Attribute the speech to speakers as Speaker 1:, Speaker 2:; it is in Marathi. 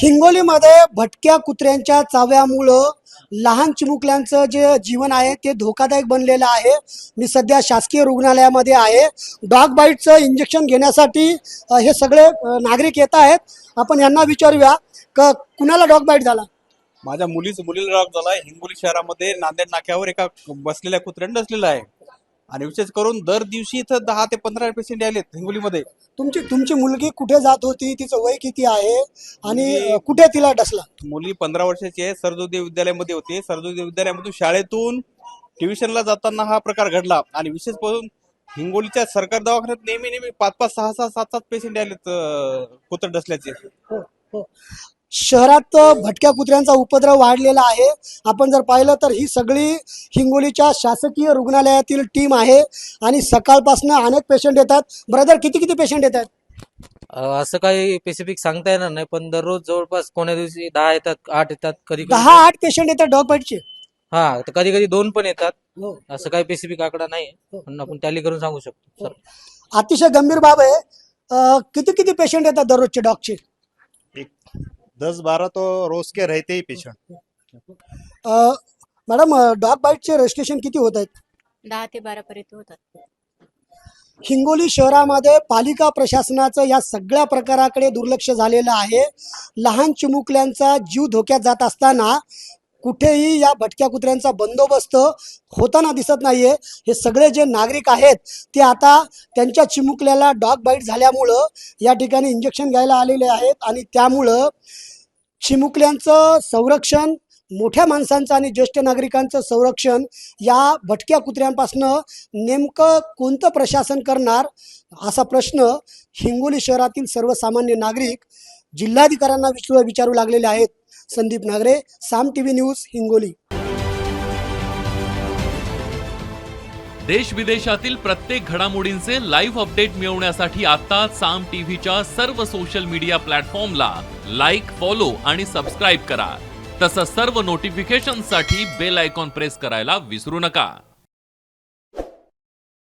Speaker 1: हिंगोलीमध्ये भटक्या कुत्र्यांच्या चाव्यामुळं लहान चिमुकल्यांचं जे जीवन आहे ते धोकादायक बनलेलं आहे। मी सध्या शासकीय रुग्णालयामध्ये आहे। डॉग बाईटचं इंजेक्शन घेण्यासाठी हे सगळे नागरिक येत आहेत। आपण यांना विचारूया की कुणाला डॉग बाईट झाला।
Speaker 2: माझ्या मुलीला डॉग झालाय। हिंगोली शहरामध्ये नांदेड नाक्यावर एका बसलेल्या कुत्र्याने डसलेला आहे आणि विशेष करून दर दिवशी इथं 10 ते 15 पेशंट आलेत हिंगोलीमध्ये।
Speaker 1: तुमची मुलगी कुठे जात होती, तिचं वय किती आहे आणि कुठे तिला डसला?
Speaker 2: मुली 15 वर्षाची आहे। सरस्वती विद्यालयामध्ये होते। सरस्वती विद्यालयामधून शाळेतून ट्युशनला जाताना हा प्रकार घडला आणि विशेष करून हिंगोलीच्या सरकारी दवाखान्यात नेहमी 5-5, 6-6, 7-7 पेशंट आलेत कुत्रे डसल्याचे।
Speaker 1: हो हो, शहरात भटक्या कुत्र्यांचा उपद्रव वाढलेला आहे। आपण जर पाहिलं तर ही सगळी हिंगोलीच्या शासकीय रुग्णालयातील टीम आहे आणि सकाळपासून अनेक पेशंट येतात। ब्रदर, किती पेशंट येतात?
Speaker 3: असं काही स्पेसिफिक सांगता येणार नाही, पण दररोज जवळपास कोण्या दिवशी 10 येतात, 8 येतात, कधी
Speaker 1: 10-8 पेशंट येतात डॉग बाईटचे?
Speaker 3: हा, तर कधी कधी 2 पण येतात।
Speaker 1: हो,
Speaker 3: असं काही स्पेसिफिक आकडा नाही, पण आपण टॅली करून सांगू शकतो सर।
Speaker 1: अतिशय गंभीर बाब आहे। किती पेशंट येतात दररोजचे डॉगचे?
Speaker 4: 10-12 तो रोज के रहते ही पेशेंट।
Speaker 1: मॅडम, डॉग बाईटचे रजिस्ट्रेशन किती होत आहेत?
Speaker 5: 10 ते 12 पर्यंत होतात।
Speaker 1: हिंगोली शहरामध्ये पालिका प्रशासनाचं या सगळ्या प्रकाराकडे दुर्लक्ष झालेलं आहे। लहान चिमुकल्यांचा जीव धोक्यात जात असताना कुठेही या भटक्या कुत्र्यांचा बंदोबस्त होताना दिसत नाहीये। हे सगळे जे नागरिक आहेत ते आता त्यांच्या चिमुकल्याला डॉग बाईट झाल्यामुळं या ठिकाणी इंजेक्शन घ्यायला आलेले आहेत आणि त्यामुळं चिमुकल्यांचं संरक्षण, मोठ्या माणसांचं आणि ज्येष्ठ नागरिकांचं संरक्षण या भटक्या कुत्र्यांपासनं नेमकं कोणतं प्रशासन करणार, असा प्रश्न हिंगोली शहरातील सर्वसामान्य नागरिक जिल्हाधिकाऱ्यांना विचारू लागलेले आहेत। Sandeep Nagare, Saam TV news, Hingoli.
Speaker 6: देश विदेशातील प्रत्येक घडामोडींचे लाईव्ह अपडेट मिळवण्यासाठी आता साम टीव्हीच्या सर्व सोशल मीडिया प्लॅटफॉर्मला लाईक, फॉलो आणि सबस्क्राईब करा। तसंच सर्व नोटिफिकेशनसाठी बेल आयकॉन प्रेस करायला विसरू नका।